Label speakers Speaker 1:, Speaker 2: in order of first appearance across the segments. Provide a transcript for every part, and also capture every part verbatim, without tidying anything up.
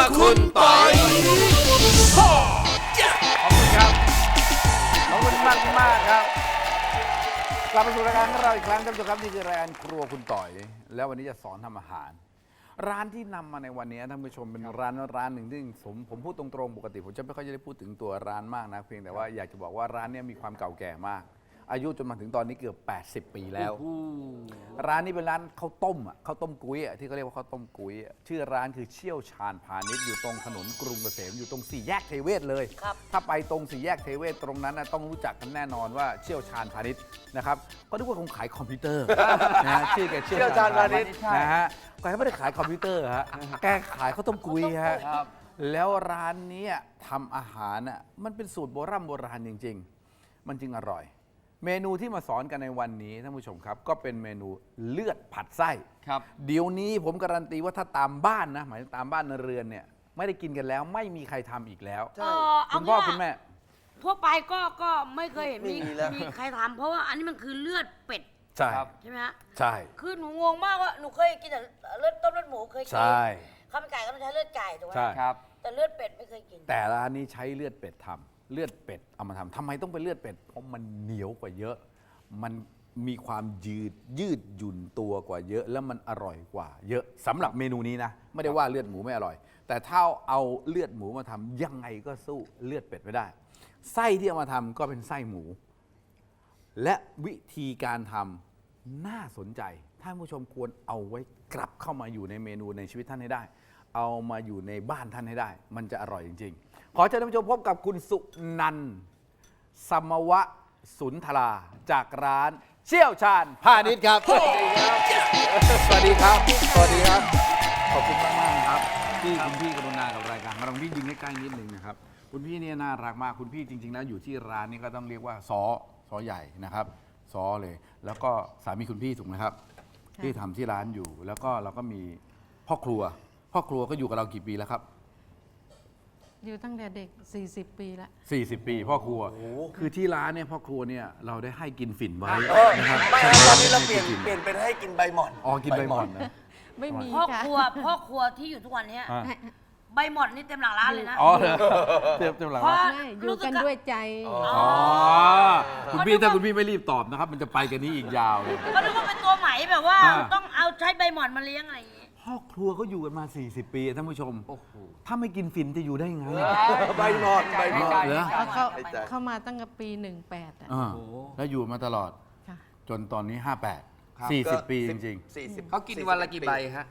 Speaker 1: คุณปอย
Speaker 2: ขอบคุณครับ ขอบคุณมากมากครับ กลับมาสู่รายการของเราอีกครั้งท่านผู้ชมครับนี่คือรายการครัวคุณต่อย แล้ววันนี้จะสอนทำอาหาร ร้านที่นำมาในวันนี้ท่านผู้ชมเป็นร้านร้านหนึ่งที่ผมผมพูดตรงๆปกติผมจะไม่ค่อยจะได้พูดถึงตัวร้านมากนะเพียงแต่ว่าอยากจะบอกว่าร้านนี้มีความเก่าแก่มาก อายุจนมาถึงตอนนี้เกือบแปดสิบปีแล้วร้านนี้เป็นร้านข้าวต้มอ่ะข้าวต้มกุ้ยอ่ะที่เขาเรียกว่าข้าวต้มกุ้ยอ่ะชื่อร้านคือเชี่ยวชาญพาณิชย์อยู่ตรงถนนกรุงเกษมอยู่ตรงสี่แยกเทเวศเลยถ้าไปตรงสี่แยกเทเวศตรงนั้นนะต้องรู้จักกันแน่นอนว่าเชี่ยวชาญพาณิชย์นะครับก็นึกว่าคงขายคอมพิวเตอร์นะชื่อแกเชี่ยวชาญพาณิชย์นะฮะแกไม่ได้ขายคอมพิวเตอร์ฮะแกขายข้าวต้มกุ้ยฮะแล้วร้านนี้ทำอาหารอ่ะมันเป็นสูตรโบราณโบราณจริงๆมันจึงอร่อยเมนูที่มาสอนกันในวันนี้ท่านผู้ชมครับก็เป็นเมนูเลือดผัดไส้ครับเดี๋ยวนี้ผมการันตีว่าถ้าตามบ้านนะหมายถึงตามบ้านในเรือนเนี่ยไม่ได้กินกันแล้วไม่มีใครทำอีกแล้วคุณพ่อคุณแม่
Speaker 3: ทั่วไปก็ก็ไม่เคยเห็นมีมีใครทำเพราะว่าอันนี้มันคือเลือดเป็ด
Speaker 2: ใช่
Speaker 3: ใช่ไหมฮะ
Speaker 2: ใช่
Speaker 3: คือหนูงงมากว่าหนูเคยกินแต่เลือดต้มเลือดหมูเคยกินข้าวมันไก่ก็ต้องใช้เลือดไก่ถูกไหม
Speaker 2: ใช่ครับ
Speaker 3: แต่เลือดเป็ดไม่เคยกิน
Speaker 2: แต่ร้านนี้ใช้เลือดเป็ดทำเลือดเป็ดเอามาทำทำไมต้องเป็นเลือดเป็ดเพราะมันเหนียวกว่าเยอะมันมีความยืดยืดหยุ่นตัวกว่าเยอะแล้วมันอร่อยกว่าเยอะสำหรับเมนูนี้นะไม่ได้ว่าเลือดหมูไม่อร่อยแต่ถ้าเอาเลือดหมูมาทำยังไงก็สู้เลือดเป็ดไม่ได้ไส้ที่เอามาทำก็เป็นไส้หมู และวิธีการทำน่าสนใจท่านผู้ชมควรเอาไว้กลับเข้ามาอยู่ในเมนูในชีวิตท่านให้ได้เอามาอยู่ในบ้านท่านให้ได้มันจะอร่อยจริงๆขอเชิญท่านผู้ชมพบกับคุณสุนันท์สมวะสุนทราจากร้านเชี่ยวชาญพาณิชย์ครับสวัสดีครับสวัสดีครับสวัสดีครับขอบคุณมากมากครับที่คุณพี่กรุณากับรายการเราพี่ยิงใกล้ๆนิดนึงนะครับคุณพี่เนี่ยน่ารักมากคุณพี่จริงๆแล้วอยู่ที่ร้านนี้ก็ต้องเรียกว่าซอซอใหญ่นะครับซอเลยแล้วก็สามีคุณพี่ถูกไหมครับที่ทำที่ร้านอยู่แล้วก็เราก็มีพ่อครัวพ่อครัวก็อยู่กับเรากี่ปีแล้วครับ
Speaker 4: อยู่ตั้งแต่เด็กสี่สิบปีละ
Speaker 2: สี่สิบปีพ่อครัวคือที่ร้านเนี่ยพ่อครัวเนี่ยเราได้ให้กินฝิ่นไว้นะครับ
Speaker 1: ตอนนี้เราเปลี่ยนเปลี่ยนเป็นให้กินใบหม่อน
Speaker 2: อ๋อกินใบหม่อนนะ
Speaker 4: ไม่มี
Speaker 3: พ่อครัวพ่อครัวที่อยู่ทุกวันนี้ใบหม่อนนี่เต็มหลังร้านเลยนะ
Speaker 2: อ๋อเต็มเต็มหลังร้าน
Speaker 4: อยู่กันด้วยใจ
Speaker 2: อ๋อคุณพี่ถ้าคุณพี่ไม่รีบตอบนะครับมันจะไปกันนี้อีกยาวเลย
Speaker 3: ก็นึกว่าเป็นตัวไหมแบบว่าต้องเอาใช้ใบหม่อนมาเลี้ยงอะไรอย่างงี้
Speaker 2: พ่อครัวเขาอยู่กันมาสี่สิบปีท่านผู้ชมถ้าไม่กินฝิ่นจะอยู่ได้ไง
Speaker 1: ใบหม่อนใบหม่อน
Speaker 4: เหรอเขาเข้ามาตั้งแต่ปีหนึ่งแปดอ่ะ
Speaker 2: แล้วอยู่มาตลอดจนตอนนี้ห้าแปดสี่สิบปีจริง
Speaker 1: ๆ
Speaker 5: เขากินวันละกี่ใบฮะ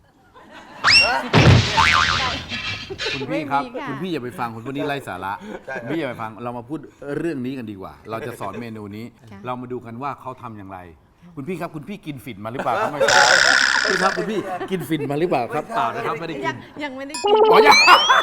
Speaker 2: คุณพี่ครับคุณพี่อย่าไปฟังคุณคนนี้ไร้สาระคุณพี่อย่าไปฟังเรามาพูดเรื่องนี้กันดีกว่าเราจะสอนเมนูนี้เรามาดูกันว่าเขาทำอย่างไรคุณพี่ครับคุณพี่กินฝิ่นมาหรือเปล่าครับไม่ใช่คุณครับคุณพี่กินฝิ่นมาหรือเปล่าครับเปล่านะครับไม่ได้กิน
Speaker 4: ยังไม่ได้กิน
Speaker 2: อ๋อยัง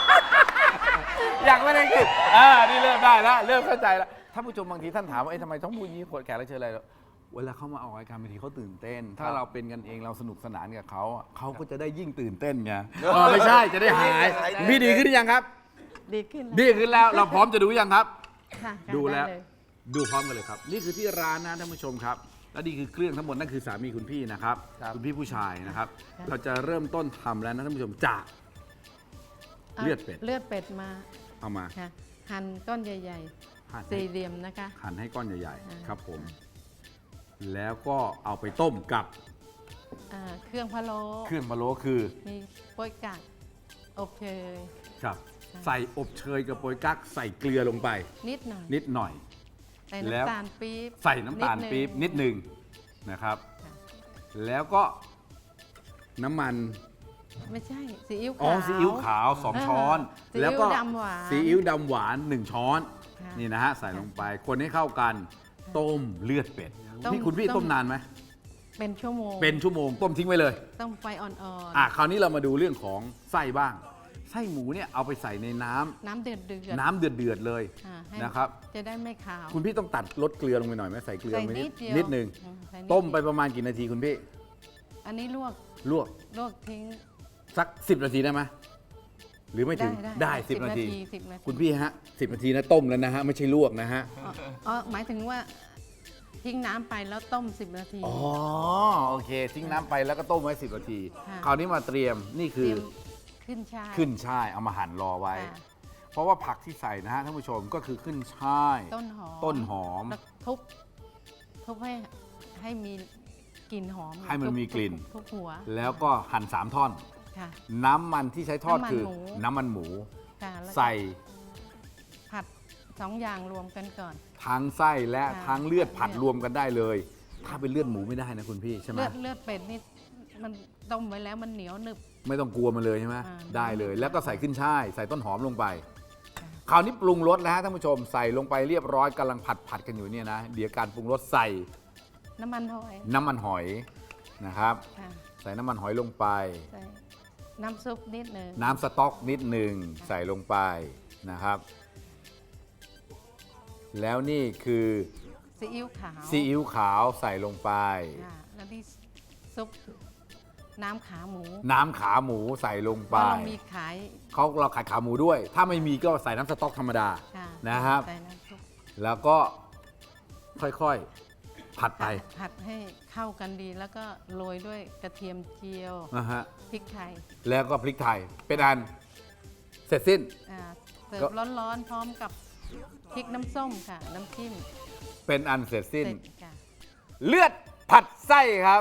Speaker 2: ยังไม่ได้กินอ่านี่เริ่มได้แล้วเริ่มเข้าใจแล้วท่านผู้ชมบางทีท่านถามว่าเอ๊ะทำไมต้องพูดอย่างนี้คนแขกรับเชิญอะไรเวลาเขามาออกรายการบางทีเขาตื่นเต้นถ้าเราเป็นกันเองเราสนุกสนานกับเขาเขาก็จะได้ยิ่งตื่นเต้นไงไม่ใช่จะได้หายพี่ดีขึ้นหรือยังครับ
Speaker 4: ดีขึ้น
Speaker 2: ดีขึ้นแล้วเราพร้อมจะดูยังครับดูแล้วดูพร้อมกันเลยครับนี่คือที่ร้านนะท่านผู้ชมครับและนี่คือเครื่องทั้งหมดนั่นคือสามีคุณพี่นะครับคุณพี่ผู้ชายนะครับเราจะเริ่มต้นทำแล้วนะท่านผู้ชมจากเลือดเป็ด
Speaker 4: เลือดเป็ดมา
Speaker 2: เอามา
Speaker 4: หั่นก้อนใหญ่ๆสี่เหลี่ยมนะคะ
Speaker 2: หั่นให้ก้อนใหญ่ๆครับผมแล้วก็เอาไปต้มกับ
Speaker 4: เครื่องพะโล้
Speaker 2: เครื่องพะโล้คือ
Speaker 4: มีโป๊ยกั๊กอบเชย
Speaker 2: ครับใส่อบเชยกับโป๊ยกั๊กใส่เกลือลงไป
Speaker 4: นิดหน่อย
Speaker 2: นิดหน่อย
Speaker 4: ใส่น้ำตาลปี๊บ
Speaker 2: ใส่น้ำตาลปี๊บนิดหนึ่งนะครับแล้วก็น้ำมัน
Speaker 4: ไม่ใช่ซีอิ๊วขาว
Speaker 2: อ๋อซีอิ๊วขาวสองช้อนแล้วก็ซีอิ๊วดำหวานหนึ่งช้อนนี่นะฮะใส่ลงไปคนให้เข้ากันต้มเลือดเป็ดนี่คุณพี่ต้มนานไหม
Speaker 4: เป็นชั่วโมง
Speaker 2: เป็นชั่วโมงต้มทิ้งไว้เลย
Speaker 4: ต้มไฟอ่อนๆ
Speaker 2: อ่ะคราวนี้เรามาดูเรื่องของไส้บ้างไส้หมูเนี่ยเอาไปใส่ในน้
Speaker 4: ำน้ำเดือดเดือด
Speaker 2: น้ำเดือดเดือดเลยนะครับ
Speaker 4: จะได้ไม่ขาว
Speaker 2: คุณพี่ต้องตัดลดเกลือลงไปหน่อยไหมใส่เกลือไปนิดนึงต้มไปประมาณกี่นาทีคุณพี่
Speaker 4: อันนี้ลวก
Speaker 2: ลวก
Speaker 4: ลวกทิ้ง
Speaker 2: สักสิบนาทีได้ไหมหรือไม่ถึงได้สิบนาทีคุณพี่ฮะสิบนาทีนะต้มแล้วนะฮะไม่ใช่ลวกนะฮะ
Speaker 4: อ๋อหมายถึงว่าทิ้งน้ำไปแล้วต้มสิบนาที
Speaker 2: อ๋อโอเคทิ้งน้ำไปแล้วก็ต้มไว้สิบนาทีคราวนี้มาเตรียมนี่คือ
Speaker 4: ขึ้นช่าย
Speaker 2: ขึ้นช่ายเอามาหั่นรอไว้
Speaker 4: ค่ะ
Speaker 2: เพราะว่าผักที่ใส่นะฮะท่านผู้ชมก็คือขึ้นช่าย
Speaker 4: ต้นหอม
Speaker 2: ต้นหอม
Speaker 4: แล้วทุบทุบให้ให้มีกลิ่นหอม
Speaker 2: ให้มัน
Speaker 4: ทุบ
Speaker 2: มีกลิ่น
Speaker 4: ทุบหัว
Speaker 2: แล้วก็หั่นสามท่อน
Speaker 4: ค่ะ
Speaker 2: น้ำมันที่ใช้ทอด
Speaker 4: น้ำมัน
Speaker 2: คือ
Speaker 4: หมู
Speaker 2: น้ำมันหมู
Speaker 4: ค่ะแล้วก็
Speaker 2: ใส่
Speaker 4: ผัดสองอย่างรวมกันก่อน
Speaker 2: ทั้งไส้และ
Speaker 4: ค่ะ
Speaker 2: ทั้งเลือดผัด
Speaker 4: เลือด
Speaker 2: รวมกันได้เลย ถ้าเป็นเลือดหมูไม่ได้นะคุณพี่ใช่ไหม
Speaker 4: เลือดเลือดเป็ดนี่มันต้มไว้แล้วมันเหนียวหนึบ
Speaker 2: ไม่ต้องกลัวมันเลยใช่ไหม
Speaker 4: อ่า
Speaker 2: ได้เลย แล้วก็ใส่ขึ้นช่าย ใส่ต้นหอมลงไป
Speaker 4: ค่ะ
Speaker 2: คราวนี้ปรุงรสแล้วฮะท่านผู้ชมใส่ลงไปเรียบร้อยกำลังผัดผัดกันอยู่เนี่ยนะเดี๋ยวการปรุงรสใส่
Speaker 4: น้ำมันหอย
Speaker 2: น้ำมันหอยนะครับ
Speaker 4: ค่ะ
Speaker 2: ใส่น้ำมันหอยลงไป
Speaker 4: ใส่น้ำซุปนิดหนึ่ง
Speaker 2: น้ำสต๊อกนิดหนึ่งใส่ลงไปนะครับ แล้วนี่คือ
Speaker 4: ซีอิ๊วขาว
Speaker 2: ซีอิ๊วขาวใส่ลงไป
Speaker 4: ค่ะแล้วนี่ซุปน้ำขาหมู
Speaker 2: น้ำขาหมูใส่ลง
Speaker 4: เพ
Speaker 2: ไป
Speaker 4: ราะเรามีขาย
Speaker 2: เขาเราขายขาหมูด้วย ถ้าไม่มีก็ใส่น้ำสต๊อกธรรมดา
Speaker 4: ค่ะ
Speaker 2: นะครับ
Speaker 4: ใส่น้ำซุป
Speaker 2: แล้วก็ค่อยๆผัดไป
Speaker 4: ผัดให้เข้ากันดีแล้วก็โรยด้วยกระเทียมเจียว
Speaker 2: นะฮะ
Speaker 4: พริกไทย
Speaker 2: แล้วก็พริกไทยเป็นอันเสร็จสิ้น
Speaker 4: อ่าเสิร์
Speaker 2: ก็
Speaker 4: ฟร้อนๆ พร้อมกับพริกน้ำส้มค่ะ น้ำจิ้ม
Speaker 2: เป็นอันเสร็จสิ้น
Speaker 4: เสร็จค่ะ
Speaker 2: เลือดผัดไส้ครับ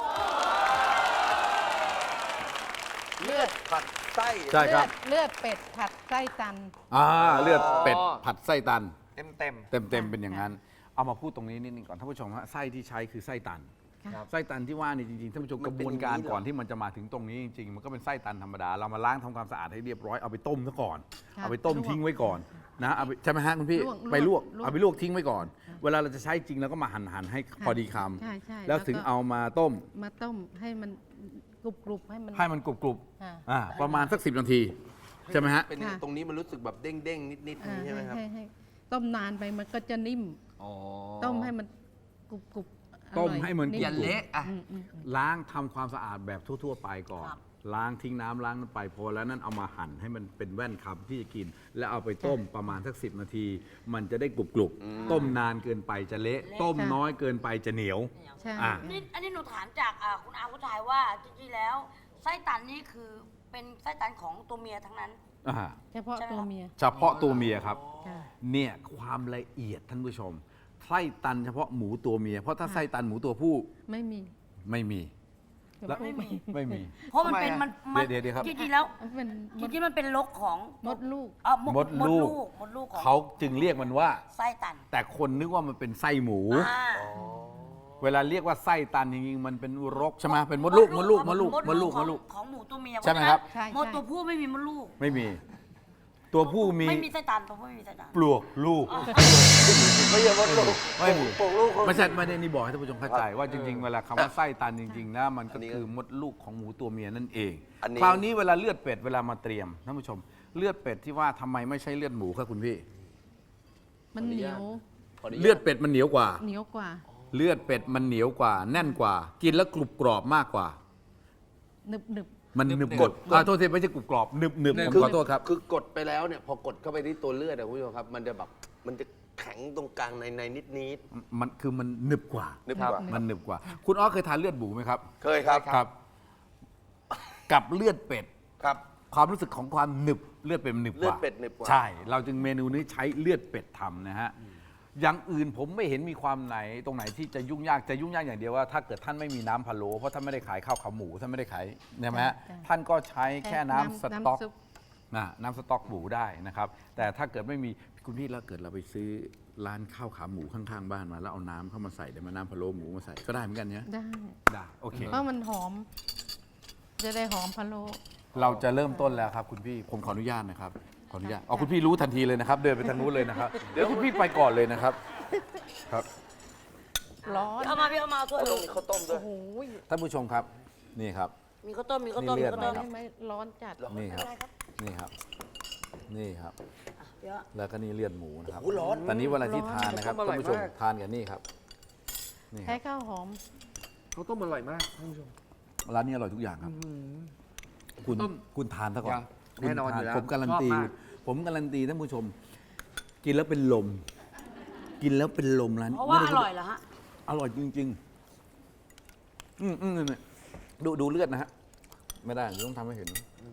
Speaker 1: เลือดผัดไส้
Speaker 2: ใช่ครับ
Speaker 4: เลือดเลือดเป็ดผัดไส้ตัน
Speaker 2: อ่าเลือดเป็ดผัดไส้ตัน
Speaker 1: เต็มเต็ม
Speaker 2: เต็มๆเป็นอย่างนั้น เอามาพูดตรงนี้นิดนึงก่อนท่านผู้ชมฮะไส้ที่ใช้คือไส้ตัน
Speaker 4: ค่ะ
Speaker 2: ไส้ตันที่ว่านี่จริงๆท่านผู้ชม
Speaker 1: มั
Speaker 2: ก
Speaker 1: น
Speaker 2: ระ
Speaker 1: เป็
Speaker 2: บ
Speaker 1: น
Speaker 2: วนการ
Speaker 1: อย่างนี้เหรอ
Speaker 2: ก่อนที่มันจะมาถึงตรงนี้จริงๆ มันก็เป็นไส้ตันธรรมดา เรามาล้างทำความสะอาดให้เรียบร้อยเอาไปต้มซะก่อน
Speaker 4: ค่ะ
Speaker 2: เอาไปต้ม
Speaker 4: ลวก
Speaker 2: ทิ้งไว้ก่อนนะเอาไปใช่ไหมฮะคุณพี่
Speaker 4: ลวก
Speaker 2: ไปลวก
Speaker 4: ลวก
Speaker 2: เอาไปลวกทิ้งไว้ก่อน เวลาเราจะใช้จริงเราก็มาหั่นหั่นๆให้พอดีค
Speaker 4: ใช่ใช่
Speaker 2: ำแล้วถึง
Speaker 4: ก็
Speaker 2: เอามาต้ม
Speaker 4: มาต้มให้มันกรุบกรุบๆให้มัน
Speaker 2: ให้มันกรุบ
Speaker 4: อ่า
Speaker 2: ๆอ่าประมาณสักสิบนาทีใช่ไหมฮะ
Speaker 1: เป็น
Speaker 4: ค่ะ
Speaker 1: ตรงนี้มันรู้สึกแบบเด้งเด้งนิดนิด
Speaker 4: อ่า
Speaker 1: ใช่ไหมครับ
Speaker 4: ให้ให้ต้มนานไปมันก็จะนิ่ม
Speaker 1: อ๋อ
Speaker 4: ต้มให้มันกรุบกรุบอร่
Speaker 2: ต้
Speaker 4: อ
Speaker 2: มให้มัน
Speaker 4: นิ่
Speaker 1: อย่าเละอ่ะ
Speaker 4: อืมอืมอืม
Speaker 2: ล้างทำความสะอาดแบบทั่ว ๆ ไปก่อน
Speaker 3: ครับ
Speaker 2: ล้างทิ้งน้ำล้างน้ำไปพอแล้วนั่นเอามาหั่นให้มันเป็นแว่นคำที่จะกิน แล้วเอาไปต้มประมาณสักสิบนาที มันจะได้กรุบกรุบๆต้มนานเกินไปจะเละ ต้มน้อยเกินไปจะเหนียว
Speaker 4: ใช่
Speaker 2: อ่ะ
Speaker 3: นี่อันนี้หนูถามจากอ่าคุณอาคุณชายว่าจริงๆแล้วไส้ตันนี่คือเป็นไส้ตันของตัวเมียทั้งนั้น
Speaker 2: อ่า
Speaker 4: เฉพาะ
Speaker 3: ใช่ไหม
Speaker 4: ตัว
Speaker 3: ครับ
Speaker 4: เมีย
Speaker 2: เฉพาะตัวเมียครับ
Speaker 4: ค่ะ
Speaker 2: เนี่ยความละเอียดท่านผู้ชมไส้ตันเฉพาะหมูตัวเมีย เพราะถ้าไส้ตันหมูตัวผู้
Speaker 4: ไม่มี
Speaker 2: ไม่มี แล้ว
Speaker 4: ไม่มี
Speaker 2: ไม่มี
Speaker 3: เพราะมันเป็นมันมัน
Speaker 2: เดี๋ยวเดี๋ยวครับ
Speaker 3: จริงๆแล้ว
Speaker 4: มันเป็น
Speaker 3: จริงๆมันเป็นลกของ
Speaker 4: มดลูก
Speaker 3: เอ่อ
Speaker 2: มดลูก
Speaker 3: มดลูกของ
Speaker 2: เขาจึงเรียกมันว่า
Speaker 3: ไส้ตัน
Speaker 2: แต่คนนึกว่ามันเป็นไส้หมู
Speaker 3: อ่า
Speaker 2: เวลาเรียกว่าไส้ตันจริงๆมันเป็นรกใช่ไหมเป็นมดลูกมดลูกมดลูกมดลูก
Speaker 3: ข
Speaker 2: ม
Speaker 3: อง
Speaker 2: ดลูก
Speaker 3: ของหมูตัวเมีย
Speaker 2: ใช่ไหมครับ
Speaker 4: ใช่
Speaker 3: มดตัวผู้ไม่มีมดลูก
Speaker 2: ไม่มี ตัวผู้มี
Speaker 3: ไม่มีไส้ตันตัวผู้ไม่มีไส้ตัน
Speaker 2: ปลวกลูก
Speaker 1: ไม่ใช่มดลูก
Speaker 2: ไม่มี
Speaker 1: ปลูกลูกคน
Speaker 2: ไม่ใช่ไม่ได้นี่บอกให้ท่านผู้ชมเข้าใจว่าจริงๆ เวลาคำว่าไส้ตันจริงๆนะมันก็คือมดลูกของหมูตัวเมียนั่นเอง
Speaker 1: อันนี้
Speaker 2: คราวนี้เวลาเลือดเป็ดเวลามาเตรียมท่านผู้ชม เลือดเป็ดที่ว่าทำไมไม่ใช่เลือดหมูครับคุณพี่
Speaker 4: มันเหนียว
Speaker 2: เลือดเป็ดมันเหนียวกว่า
Speaker 4: เหนียวกว่า
Speaker 2: เลือดเป็ดมันเหนียวกว่า แน่นกว่า กินแล้วกรุบกรอบมากกว่า
Speaker 4: หนึบหนึบ
Speaker 2: มันหนึบกดอ่าโทษทีไม่ใช่กรุบกรอบหนึบหนึบผม
Speaker 1: คือ
Speaker 2: ขอโทษครับ
Speaker 1: คือกดไปแล้วเนี่ยพอกดเข้าไปที่ตัวเลือดอะคุณผู้ชมครับ มันจะแบบมันจะแข็งตรงกลางในในนิดนิด
Speaker 2: มันคือมันหนึบกว่า
Speaker 1: นึกว่า
Speaker 2: มันหนึบกว่า คุณอ้อเคยทานเลือดหมูไหมครับ
Speaker 1: เคยครับ
Speaker 2: ครับ กับเลือดเป็ด
Speaker 1: ครับ
Speaker 2: ความรู้สึกของความหนึบเลือดเป็ดมันหนึบกว่า
Speaker 1: เลือดเป็ดหนึบกว่า
Speaker 2: ใช่ เราจึงเมนูนี้ใช้เลือดเป็ดทำนะฮะอย่างอื่นผมไม่เห็นมีความไหนตรงไหนที่จะยุ่งยากจะยุ่งยากอย่างเดียวว่าถ้าเกิดท่านไม่มีน้ำพะโล้เพราะท่านไม่ได้ขายข้าวขาหมูท่านไม่ได้ขายใช่ไหมฮะ
Speaker 4: ใช่
Speaker 2: ท่านก็ใช้แค่น้ำสต๊อก
Speaker 4: น้ำซุป
Speaker 2: นะน้ำสต๊อกหมูได้นะครับ แต่ถ้าเกิดไม่มีคุณพี่แล้วเกิดเราไปซื้อร้านข้าวขาหมูข้างๆบ้านมาแล้วเอาน้ำเข้ามาใส่เดี๋ยวมาน้ำพะโล้หมูมาใส่ก็ได้เหมือนกันเนี่ย
Speaker 4: ได้
Speaker 2: ได้โอเค
Speaker 4: เพราะมันหอม จะได้หอมพะโล้
Speaker 2: เราจะเริ่มต้นแล้วครับคุณพี่ผมขออนุญาตนะครับขออนุญาตเอาคุณพี่รู้ทันทีเลยนะครับ เดินไปทางนู้นเลยนะครับเดี๋ยวคุณพี่ไปก่อนเลยนะครับครับ
Speaker 4: ร้อน
Speaker 3: เอามาพี่เอามาเอาถ้วย
Speaker 1: ต้องมีข้าวต้มด้วย
Speaker 4: โอ้โห
Speaker 2: ท่านผู้ชมครับนี่ครับ
Speaker 3: มีข้าวต้มมีข้าวต้ม
Speaker 2: นี่
Speaker 3: มี
Speaker 2: เลือด
Speaker 3: ข้าวต้ม
Speaker 2: ไหม
Speaker 4: ได้ไหมร้อนจัด
Speaker 2: นี่ครับ
Speaker 3: ได้ครับ
Speaker 2: นี่ครับนี่ครับ
Speaker 3: เดี๋ยว
Speaker 2: แล้วก็นี่เลือดหมูนะครับ
Speaker 1: โอ้โหร้อน
Speaker 2: ตอนนี้เวลาที่ทานนะครับ
Speaker 1: ร้อน
Speaker 2: ท่านผู้ชม
Speaker 1: อร่อยมาก
Speaker 2: ทานกันนี่ครับนี่ค
Speaker 4: ใช้
Speaker 2: รับ
Speaker 4: ข้าวหอม
Speaker 1: ข้าวต้มอร่อยมากท่านผู้ชม
Speaker 2: ร้านนี้อร่อยทุกอย่างครับ คุณ
Speaker 1: ต้ม
Speaker 2: คุณทานซะก่อน
Speaker 1: อย่า
Speaker 2: คุณ
Speaker 1: แน่นอน
Speaker 2: ทา
Speaker 1: อยู่แล้ว
Speaker 2: ผมการันตี
Speaker 1: ชอบมาก
Speaker 2: ผมการันตีท่านผู้ชม กินแล้วเป็นลม กินแล้วเป็นลมร้าน
Speaker 3: เพราะว่า
Speaker 2: ไม่
Speaker 3: อ
Speaker 2: ได้
Speaker 3: ร่อยเหรอฮะ
Speaker 2: อร่อยจริง ๆ อืมอืมเนี่ยดูดูเลือดนะฮะ ไม่ได้เดี๋ยวต้องทำให้เห็น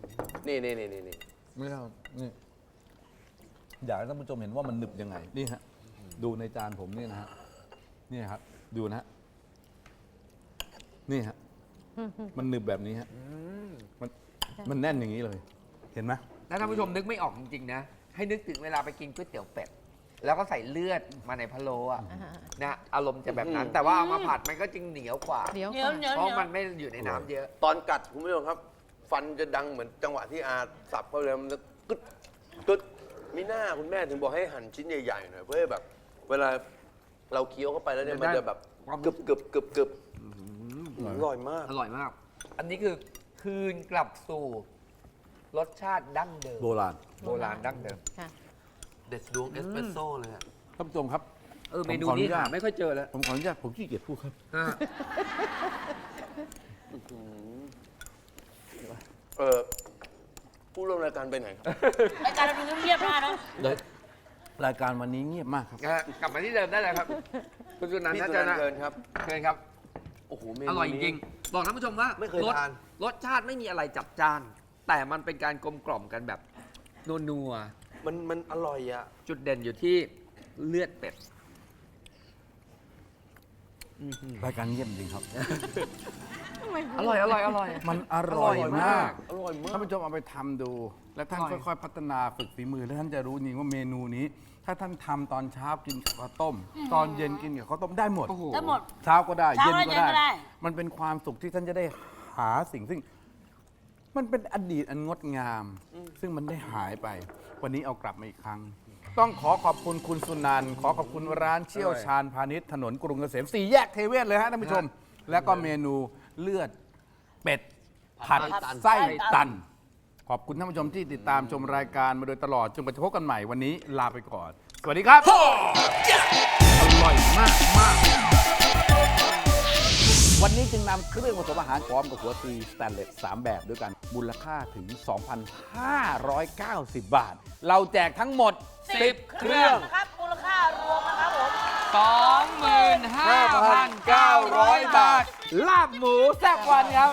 Speaker 1: นี่นี่นี่นี่นี่
Speaker 2: ไม่เอานี่อยากให้ท่านผู้ชมเห็นว่ามันหนึบยังไง นี่ฮะ ดูในจานผมนี่นะฮะ นี่ครับ ดูนะฮะ นี่ฮะ มันหนึบแบบนี้ฮะ มัน มันแน่นอย่างนี้เลย เห็นไหม
Speaker 5: แล้วท่านผู้ชมนึกไม่ออกจริงๆนะ ให้นึกถึงเวลาไปกินก๋วยเตี๋ยวเป็ด แล้วก็ใส่เลือดมาในพะโล้อะ
Speaker 4: อ่า
Speaker 5: นะอารมณ์จะแบบนั้น แต่ว่าเอามาผัดมันก็จึงเหนียวกว่า
Speaker 4: เดี๋ยว
Speaker 3: เหนียว
Speaker 4: ก่อน
Speaker 3: เหนียว
Speaker 5: เพ
Speaker 3: เหนี
Speaker 5: ราะ
Speaker 3: ยว
Speaker 5: มันไม่อยู่ในน้ำเยอะ
Speaker 1: ตอนกัดคุณผู้ชมครับ ฟันจะดังเหมือนจังหวะที่อาสับเข้าไปแล้วมันจะกึดกึดมีหน้าคุณแม่ถึงบอกให้หั่นชิ้นใหญ่ๆหน่อยเพื่อให้แบบ เวลาเราเคี้ยวเข้าไปแล้วเนี่ยมันจะแบบ
Speaker 5: ความ
Speaker 1: กรึบกรึบกรึบกรึบอร่อยมาก
Speaker 5: อร่อยมาก อันนี้คือคืนกลับสู่รสชาติดั้งเดิม
Speaker 2: โบราณ
Speaker 5: โบราณดั้งเดิม
Speaker 4: ค่ะ
Speaker 1: เด็ดดวงเอสเปรสโซ่เลยอะ
Speaker 2: ท่านผู้ชมครับ
Speaker 5: เออ
Speaker 2: ผม
Speaker 5: เมนู
Speaker 2: ขออนุ
Speaker 5: นี้
Speaker 2: ญาต
Speaker 5: หาไม่ค่อยเจอแล้ว
Speaker 2: ผมขออนุญาตผมขี้เกียจพูดครับ
Speaker 5: อ่า
Speaker 1: เออผู้ร่วมรายการไปไหนครับ
Speaker 3: รายการเราดูเงียบๆนะเนาะ
Speaker 2: รายการวันนี้เงียบมากครับ
Speaker 5: นะฮะกลับมาที่เดิมได้เลยครับ คุณสุนันท์
Speaker 1: พี่
Speaker 5: น่า
Speaker 1: สุ
Speaker 5: จะ
Speaker 1: นัน
Speaker 5: นะ
Speaker 1: ท์เชิญครับ
Speaker 5: เชิญครับ
Speaker 1: โอ้โหเมนู
Speaker 5: อร่อยจ
Speaker 1: นี้
Speaker 5: ริงๆบอกท่านผู้ชมว่า
Speaker 1: ไม่เคย
Speaker 5: รส
Speaker 1: ทาน
Speaker 5: รสชาติไม่มีอะไรจับจ้าน แต่มันเป็นการกลมกล่อมกันแบบนัว
Speaker 1: มันมันอร่อยอะ
Speaker 5: ๆจุดเด่นอยู่ที่เลือดเป็ด
Speaker 2: รายการเงียบจริงครับ
Speaker 5: อร่อยอร่อยอร่อย
Speaker 2: มันอร่อยมาก
Speaker 1: อร่อยมาก
Speaker 2: ท่านผู้ชมเอาไปทำดู และท่าน
Speaker 5: อร่อย
Speaker 2: ค่อยๆ พัฒนาฝึกฝีมือ แล้วท่านจะรู้จริงว่าเมนูนี้ ถ้าท่านทำตอนเช้ากินกับข้าวต้ม ตอนเย็นกินกับข้าวต้มได้หมด
Speaker 5: โอ้โห
Speaker 3: ได้หมด
Speaker 2: เช้าก็ได้
Speaker 3: เช้า
Speaker 2: เย็น
Speaker 3: ได้
Speaker 2: ก็
Speaker 3: เย็นก็ได้
Speaker 2: ได้ มันเป็นความสุขที่ท่านจะได้หาสิ่งซึ่ง มันเป็นอดีตอันงดงาม ซึ่งมันได้หายไป วันนี้เอากลับมาอีกครั้ง ต้องขอขอบคุณคุณสุนันท์ขอขอบคุณร้านเชี่ยวชาญพาณิชย์ถนนกรุงเกษมสี่แยกเทเวศเลยฮะท่านผู้ชม แล้วก็เมนูเลือดเป็ดผัดไส้ตัน ขอบคุณท่านผู้ชมที่ติดตามชมรายการมาโดยตลอดจนกว่าจะพบกันใหม่วันนี้ลาไปก่อน สวัสดีครับ อร่อยมากมากวันนี้จึงนำเครื่องผสมอาหารพร้อมกับหัวตีสแตนเลสสามแบบด้วยกันมูลค่าถึง สองพันห้าร้อยเก้าสิบ บาท เราแจกทั้งหมด
Speaker 5: สิบเครื่อง
Speaker 3: ครับมูลค่ารวมนะครับผม
Speaker 5: สองหมื่นห้าพันเก้าร้อยบาท
Speaker 2: ลาบหมูแซ่บวันครับ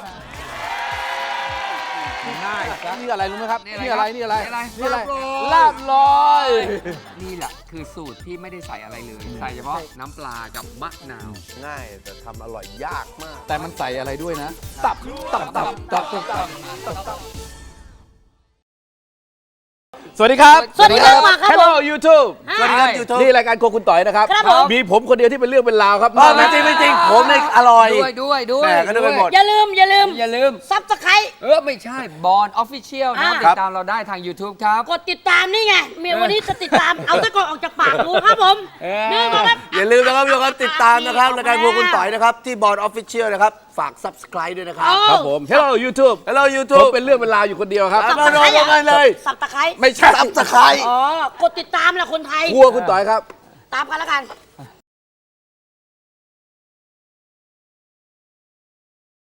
Speaker 2: ง่ายนี่อะไรรู้ไหมครับ
Speaker 5: นี่
Speaker 2: นี่
Speaker 5: อะ
Speaker 2: อะไร ไร
Speaker 5: ครับ
Speaker 2: นี่อะไร
Speaker 5: นี่อะไร
Speaker 2: นี่อะไร
Speaker 5: ลาบลอย
Speaker 2: ลาบลอย
Speaker 5: นี่แหละคือสูตรที่ไม่ได้ใส่อะไรเลย ใส่เฉพาะน้ำปลากับมะนาว
Speaker 1: ง่ายแต่ทำอร่อยยากมาก
Speaker 2: แต่มันใส่อะไรด้วยนะ ตับ ตับ ตับ ตับ ตับ สวัสดีครับ
Speaker 3: สวัสดีครับมาครับ
Speaker 2: Hello YouTube
Speaker 3: สวัสดีครับ
Speaker 2: YouTube นี่รายการโครัวคุณต่อยนะครับ
Speaker 3: ครับผม
Speaker 2: มีผมคนเดียวที่เป็นเรื่องเป็นราวครับ
Speaker 1: ไม่จริงไม่จริงผมเนี่ยอร่อย
Speaker 5: ด้วยด้วยด้วย
Speaker 1: แหม่ก็นึกไปหมด
Speaker 3: อย่าลืมอย่าลืม
Speaker 5: อย่าลืม
Speaker 3: ซับสไคร
Speaker 5: เออ ไม่ใช่บอลออฟฟิเชียลนะ
Speaker 3: อ่า
Speaker 5: ติดตามเราได้ทาง YouTube ครับ
Speaker 3: กดติดตามนี่ไงเมียวันนี้จะติดตาม เอาตะกอนออกจากปากกูครับผม
Speaker 5: เออ
Speaker 3: นี่มาครับ
Speaker 1: อย่าลืมนะครับทุกคนติดตามนะครับรายการพวกคุณต่อยนะครับ ที่บอร์ดออฟฟิเชียลนะครับ ฝาก Subscribe ด้วยนะครับ
Speaker 3: เอา
Speaker 2: ครับผม Hello YouTube
Speaker 1: Hello
Speaker 2: ผม
Speaker 1: YouTube
Speaker 2: เป็นเรื่องเป็นราวอยู่คนเดียวครับ
Speaker 1: ครับ มาลงกันเลย
Speaker 3: สับตะไคร้
Speaker 2: ไม่ใช่
Speaker 1: Subscribe
Speaker 3: อ๋อกดติดตามแหละคนไทย
Speaker 2: ครัวคุณต่อยครับ
Speaker 3: ตามกันแล้วกัน